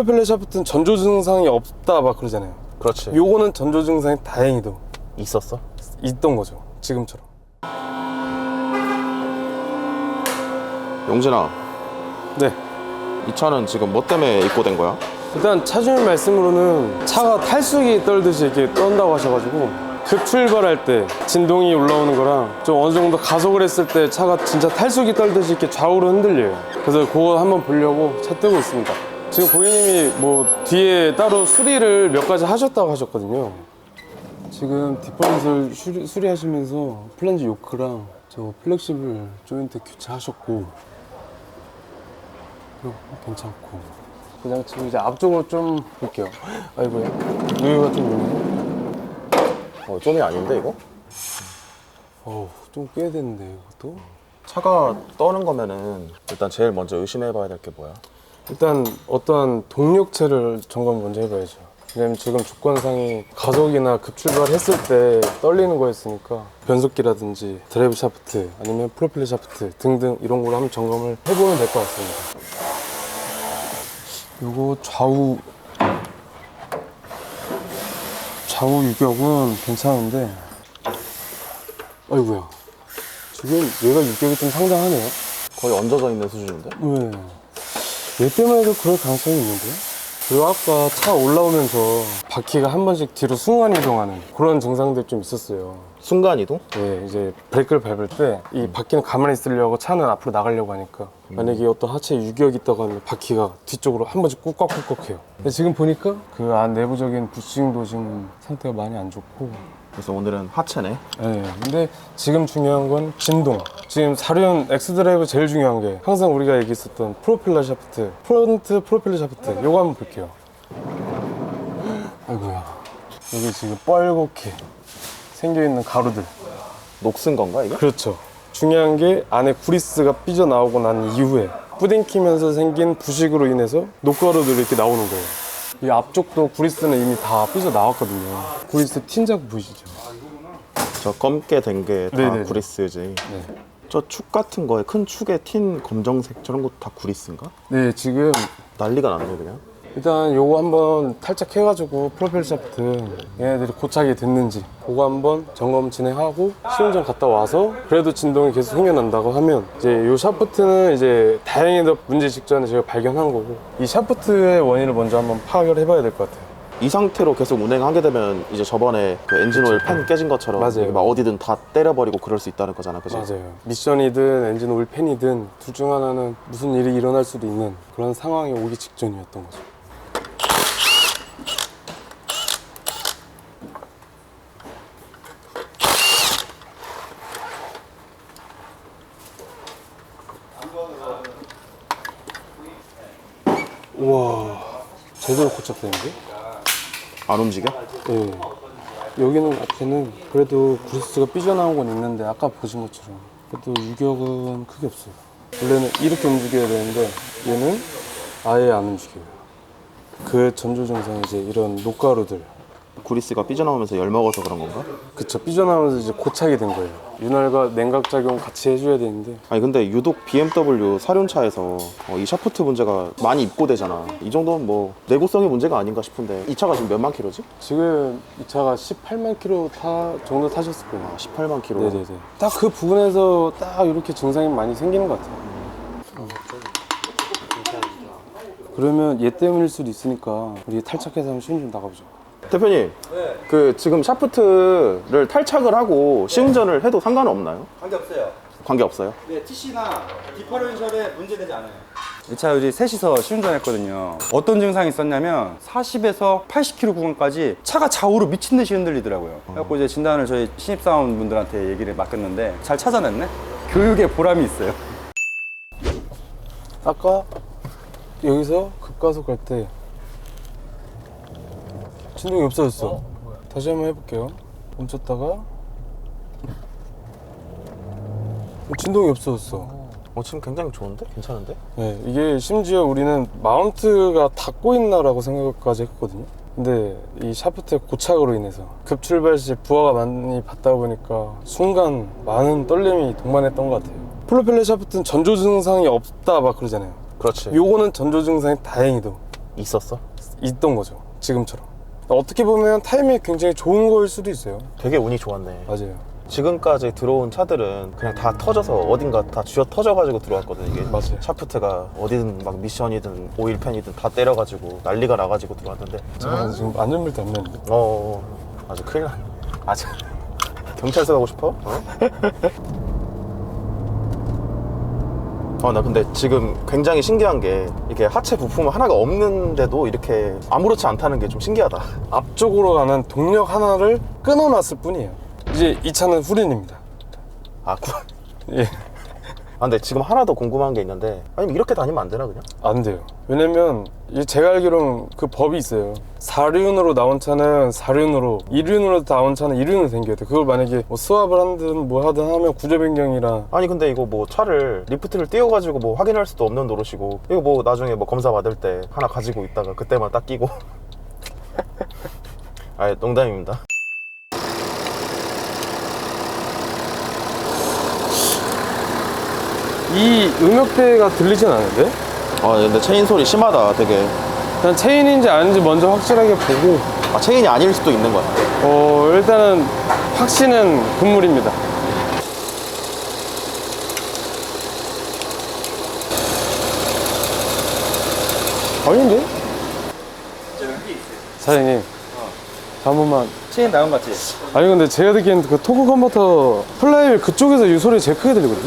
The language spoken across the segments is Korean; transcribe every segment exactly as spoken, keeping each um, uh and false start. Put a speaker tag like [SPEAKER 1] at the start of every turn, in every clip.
[SPEAKER 1] 프로펠러 샤프트는 전조 증상이 없다 막 그러잖아요.
[SPEAKER 2] 그렇지.
[SPEAKER 1] 요거는 전조 증상이 다행히도
[SPEAKER 2] 있었어?
[SPEAKER 1] 있던 거죠. 지금처럼.
[SPEAKER 2] 용진아,
[SPEAKER 1] 네.
[SPEAKER 2] 이 차는 지금 뭐 때문에 입고된 거야?
[SPEAKER 1] 일단 차주님 말씀으로는 차가 탈수기 떨듯이 이렇게 떤다고 하셔가지고 급 출발할 때 진동이 올라오는 거랑 좀 어느 정도 가속을 했을 때 차가 진짜 탈수기 떨듯이 이렇게 좌우로 흔들려요. 그래서 그거 한번 보려고 차 뜨고 있습니다. 지금 고객님이 뭐 뒤에 따로 수리를 몇 가지 하셨다고 하셨거든요. 지금 뒷번호를 수리, 수리하시면서 플랜지 요크랑 저 플렉시블 조인트 교체하셨고, 그리고 괜찮고, 그냥 지금 이제 앞쪽으로 좀 볼게요. 아이고야, 여기가 좀 있네.
[SPEAKER 2] 어, 좀이 아닌데 이거?
[SPEAKER 1] 어우, 좀 꽤 됐는데 이것도.
[SPEAKER 2] 차가 떠는 거면은 일단 제일 먼저 의심해봐야 될 게 뭐야?
[SPEAKER 1] 일단 어떠한 동력체를 점검 먼저 해봐야죠. 왜냐면 지금 조건상이 가속이나 급출발했을 때 떨리는 거였으니까 변속기라든지 드라이브 샤프트 아니면 프로펠러 샤프트 등등 이런 걸로 한번 점검을 해보면 될 것 같습니다. 요거 좌우 좌우 유격은 괜찮은데, 아이고야, 지금 얘가 유격이 좀 상당하네요.
[SPEAKER 2] 거의 얹어져 있는 수준인데?
[SPEAKER 1] 왜? 얘 때문에도 그럴 가능성이 있는데요? 그리고 아까 차 올라오면서 바퀴가 한 번씩 뒤로 순간 이동하는 그런 증상들이 좀 있었어요.
[SPEAKER 2] 순간이동?
[SPEAKER 1] 네, 이제 브레이크를 밟을 때 이 바퀴는 가만히 있으려고 차는 앞으로 나가려고 하니까 만약에 어떤 하체에 유격이 있다고 하면 바퀴가 뒤쪽으로 한 번씩 꾹꽉꾹꽉 해요. 근데 지금 보니까 그 안 내부적인 부싱도 지금 상태가 많이 안 좋고.
[SPEAKER 2] 그래서 오늘은 하체네.
[SPEAKER 1] 네, 근데 지금 중요한 건 진동. 지금 사륜 엑스드라이브 제일 중요한 게 항상 우리가 얘기했었던 프로펠러 샤프트, 프론트 프로펠러 샤프트, 요거 한번 볼게요. 아이고야, 여기 지금 뻘겋게 생겨있는 가루들.
[SPEAKER 2] 녹슨 건가 이게?
[SPEAKER 1] 그렇죠. 중요한 게 안에 구리스가 삐져나오고 난 이후에 뿌딩키면서 생긴 부식으로 인해서 녹가루들이 이렇게 나오는 거예요. 이 앞쪽도 구리스는 이미 다 삐져나왔거든요. 구리스 틴 자국 보이시죠?
[SPEAKER 2] 저 검게 된 게 다
[SPEAKER 1] 네네네.
[SPEAKER 2] 구리스지.
[SPEAKER 1] 네.
[SPEAKER 2] 저 축 같은 거에 큰 축에 틴 검정색 저런 것도 다 구리스인가?
[SPEAKER 1] 네, 지금
[SPEAKER 2] 난리가 났네 그냥.
[SPEAKER 1] 일단 요거 한번 탈착해가지고 프로펠러 샤프트 얘네들이 고착이 됐는지 그거 한번 점검 진행하고 시운전 갔다 와서 그래도 진동이 계속 생겨난다고 하면 이제 요 샤프트는 이제 다행히도 문제 직전에 제가 발견한 거고 이 샤프트의 원인을 먼저 한번 파악을 해봐야 될 것 같아요.
[SPEAKER 2] 이 상태로 계속 운행하게 되면 이제 저번에 그 엔진 오일 팬 깨진 것처럼
[SPEAKER 1] 맞아요.
[SPEAKER 2] 막 어디든 다 때려버리고 그럴 수 있다는 거잖아, 그지?
[SPEAKER 1] 맞아요. 미션이든 엔진 오일 팬이든 둘 중 하나는 무슨 일이 일어날 수도 있는 그런 상황이 오기 직전이었던 거죠. 우와, 제대로 고착되는데?
[SPEAKER 2] 안 움직여?
[SPEAKER 1] 네. 여기는 앞에는 그래도 구리스가 삐져나온 건 있는데 아까 보신 것처럼 그래도 유격은 크게 없어요. 원래는 이렇게 움직여야 되는데 얘는 아예 안 움직여요. 그 전조 증상이 이제 이런 녹가루들,
[SPEAKER 2] 구리스가 삐져나오면서 열 먹어서 그런 건가?
[SPEAKER 1] 그쵸, 삐져나오면서 이제 고착이 된 거예요. 윤활과 냉각 작용 같이 해줘야 되는데.
[SPEAKER 2] 아니 근데 유독 비엠더블유 사륜차에서 어, 이 샤프트 문제가 많이 입고되잖아. 이 정도면 뭐 내구성의 문제가 아닌가 싶은데 이 차가 지금 몇만 킬로지?
[SPEAKER 1] 지금 이 차가 십팔만 킬로 타, 정도 타셨을 거예요.
[SPEAKER 2] 아, 십팔만 킬로.
[SPEAKER 1] 네네네. 딱 그 부분에서 딱 이렇게 증상이 많이 생기는 것 같아요. 어. 그러면 얘 때문일 수도 있으니까 우리 탈착해서 한번 시운전 나가보죠.
[SPEAKER 2] 대표님,
[SPEAKER 3] 네.
[SPEAKER 2] 그 지금 샤프트를 탈착을 하고 시운전을 해도 상관은 없나요?
[SPEAKER 3] 관계없어요.
[SPEAKER 2] 관계 없어요?
[SPEAKER 3] 네, 티씨나 디퍼런셜에 문제되지 않아요.
[SPEAKER 4] 이 차 우리 셋이서 시운전했거든요. 어떤 증상이 있었냐면 사십에서 팔십 킬로미터 구간까지 차가 좌우로 미친 듯이 흔들리더라고요. 그래갖고 이제 진단을 저희 신입사원 분들한테 얘기를 맡겼는데 잘 찾아냈네? 교육에 보람이 있어요.
[SPEAKER 1] 아까 여기서 급가속 갈 때 진동이 없어졌어. 다시 한번 해볼게요. 멈췄다가 진동이 없어졌어.
[SPEAKER 2] 어, 지금 굉장히 좋은데? 괜찮은데?
[SPEAKER 1] 네, 이게 심지어 우리는 마운트가 닿고 있나라고 생각까지 했거든요. 근데 이 샤프트의 고착으로 인해서 급출발 시 부하가 많이 받다 보니까 순간 많은 떨림이 동반했던 것 같아요. 프로펠러 샤프트는 전조 증상이 없다 막 그러잖아요.
[SPEAKER 2] 그렇지.
[SPEAKER 1] 요거는 전조 증상이 다행히도
[SPEAKER 2] 있었어?
[SPEAKER 1] 있던 거죠. 지금처럼. 어떻게 보면 타이밍이 굉장히 좋은 거일 수도 있어요.
[SPEAKER 2] 되게 운이 좋았네.
[SPEAKER 1] 맞아요.
[SPEAKER 2] 지금까지 들어온 차들은 그냥 다 터져서 어딘가 다 쥐어 터져가지고 들어왔거든. 이게
[SPEAKER 1] 맞아요.
[SPEAKER 2] 샤프트가 어디든 막 미션이든 오일팬이든 다 때려가지고 난리가 나가지고 들어왔는데
[SPEAKER 1] 잠깐만 지금 안전벨트 안 매는데.
[SPEAKER 2] 어, 어 아주 큰일 났네. 아직 경찰서 가고 싶어? 어? 어, 나 근데 지금 굉장히 신기한 게 이렇게 하체 부품 하나가 없는데도 이렇게 아무렇지 않다는 게 좀 신기하다.
[SPEAKER 1] 앞쪽으로 가는 동력 하나를 끊어놨을 뿐이에요. 이제 이 차는 후륜입니다.
[SPEAKER 2] 아, 구...
[SPEAKER 1] 예.
[SPEAKER 2] 아, 근데 지금 하나 더 궁금한 게 있는데 아니면 이렇게 다니면 안 되나 그냥?
[SPEAKER 1] 안 돼요. 왜냐면 이 제가 알기로는 그 법이 있어요. 사륜으로 나온 차는 사륜으로, 이륜으로 나온 차는 이륜으로 당겨야 돼. 그걸 만약에 뭐 스왑을 하든 뭐 하든 하면 구조 변경이라.
[SPEAKER 2] 아니 근데 이거 뭐 차를 리프트를 띄워가지고 뭐 확인할 수도 없는 노릇이고 이거 뭐 나중에 뭐 검사 받을 때 하나 가지고 있다가 그때만 딱 끼고 아, 농담입니다.
[SPEAKER 1] 이 음역대가 들리진 않은데?
[SPEAKER 2] 아, 근데 체인 소리 심하다 되게.
[SPEAKER 1] 일단 체인인지 아닌지 먼저 확실하게 보고
[SPEAKER 2] 아, 체인이 아닐 수도 있는 거야.
[SPEAKER 1] 어 일단은 확신은 금물입니다. 아닌데? 사장님 한 번만.
[SPEAKER 4] 체인 나온 거 같지?
[SPEAKER 1] 아니 근데 제가 듣기엔 그 토크 컨버터 플라이휠 그쪽에서 이 소리 제일 크게 들리거든요.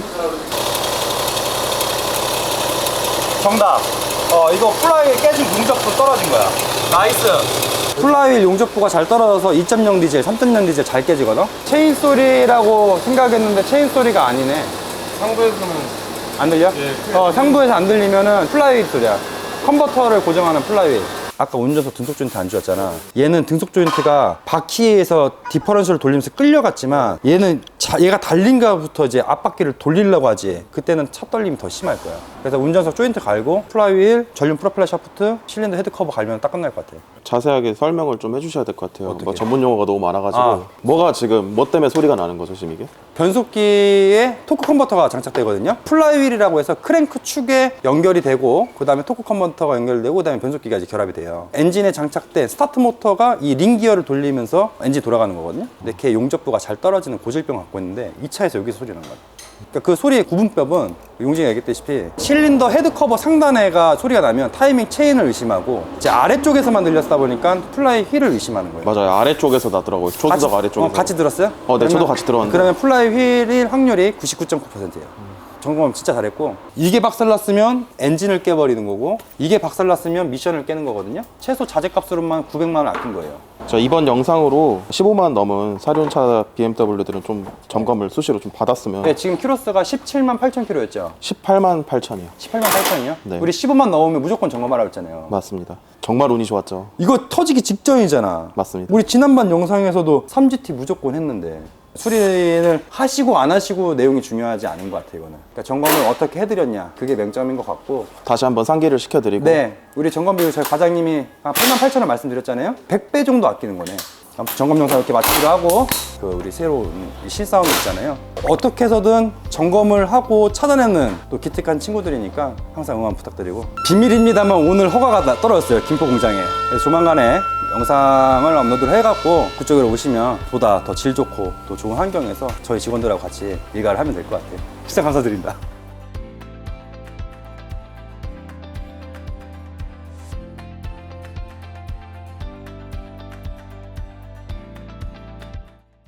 [SPEAKER 4] 정답. 어, 이거 플라이휠 깨진 용접부 떨어진 거야. 나이스. 플라이휠 용접부가 잘 떨어져서 이 점 영 디젤, 삼 점 영 디젤 잘 깨지거든? 체인 소리라고 생각했는데 체인 소리가 아니네.
[SPEAKER 1] 상부에서는
[SPEAKER 4] 안 들려?
[SPEAKER 1] 예,
[SPEAKER 4] 어, 상부에서 안 들리면은 플라이휠 소리야. 컨버터를 고정하는 플라이휠. 아까 운전석 등속 조인트 안 주었잖아. 얘는 등속 조인트가 바퀴에서 디퍼런셜을 돌리면서 끌려갔지만 얘는 자, 얘가 달린가부터 이제 앞바퀴를 돌리려고 하지. 그때는 차 떨림이 더 심할 거야. 그래서 운전석 조인트 갈고 플라이휠, 전륜 프로펠러 샤프트, 실린더 헤드 커버 갈면 딱 끝날 것 같아.
[SPEAKER 2] 자세하게 설명을 좀 해주셔야 될 것 같아요.
[SPEAKER 4] 어떻게?
[SPEAKER 2] 뭐 전문 용어가 너무 많아가지고
[SPEAKER 4] 아.
[SPEAKER 2] 뭐가 지금 뭐 때문에 소리가 나는 거죠 지금 이게?
[SPEAKER 4] 변속기에 토크 컨버터가 장착되거든요. 플라이휠이라고 해서 크랭크 축에 연결이 되고 그 다음에 토크 컨버터가 연결되고 그 다음에 변속기가 이제 결합이 돼요. 엔진에 장착된 스타트 모터가 이 링기어를 돌리면서 엔진이 돌아가는 거거든요. 근데 걔 용접부가 잘 떨어지는 고질병을 갖고 있는데 이 차에서 여기서 소리 나는 거예요. 그러니까 그 소리의 구분법은 용진이가 얘기했다시피 실린더 헤드 커버 상단에가 소리가 나면 타이밍 체인을 의심하고 이제 아래쪽에서만 들렸다 보니까 플라이 휠을 의심하는 거예요.
[SPEAKER 2] 맞아요. 아래쪽에서 나더라고요. 조수석
[SPEAKER 4] 같이-
[SPEAKER 2] 아래쪽에서.
[SPEAKER 4] 어, 같이 들었어요?
[SPEAKER 2] 어, 네,
[SPEAKER 4] 그러면-
[SPEAKER 2] 저도 같이 들었는데.
[SPEAKER 4] 그러면 플라이 휠일 확률이 구십구 점 구 퍼센트예요. 점검 진짜 잘했고 이게 박살났으면 엔진을 깨버리는 거고 이게 박살났으면 미션을 깨는 거거든요. 최소 자재값으로만 구백만 원 아낀 거예요.
[SPEAKER 2] 자, 이번 영상으로 십오만 넘은 사륜차 비엠더블유들은 좀 점검을 수시로 좀 받았으면
[SPEAKER 4] 네, 지금 키로수가 십칠만 팔천 킬로였죠.
[SPEAKER 2] 십팔만 팔천이요.
[SPEAKER 4] 십팔만 팔천이요?
[SPEAKER 2] 네.
[SPEAKER 4] 우리 십오만 넘으면 무조건 점검하라고 했잖아요.
[SPEAKER 2] 맞습니다. 정말 운이 좋았죠.
[SPEAKER 4] 이거 터지기 직전이잖아.
[SPEAKER 2] 맞습니다.
[SPEAKER 4] 우리 지난번 영상에서도 삼 지티 무조건 했는데 수리를 하시고 안 하시고 내용이 중요하지 않은 것 같아요. 이거는. 그러니까 점검을 어떻게 해드렸냐 그게 맹점인 것 같고.
[SPEAKER 2] 다시 한번 상기를 시켜드리고
[SPEAKER 4] 네, 우리 점검 비용 저희 과장님이 한 팔만 팔천 원 말씀드렸잖아요. 백 배 정도 아끼는 거네. 아무튼 점검 영상 이렇게 마치기로 하고 그 우리 새로운 이 실사운드 있잖아요. 어떻게 해서든 점검을 하고 찾아내는 또 기특한 친구들이니까 항상 응원 부탁드리고 비밀입니다만 오늘 허가가 나- 떨어졌어요. 김포 공장에. 그래서 조만간에 영상을 업로드를 해갖고 그쪽으로 오시면 보다 더 질 좋고 또 좋은 환경에서 저희 직원들하고 같이 일가를 하면 될 것 같아요. 시청 감사드립니다.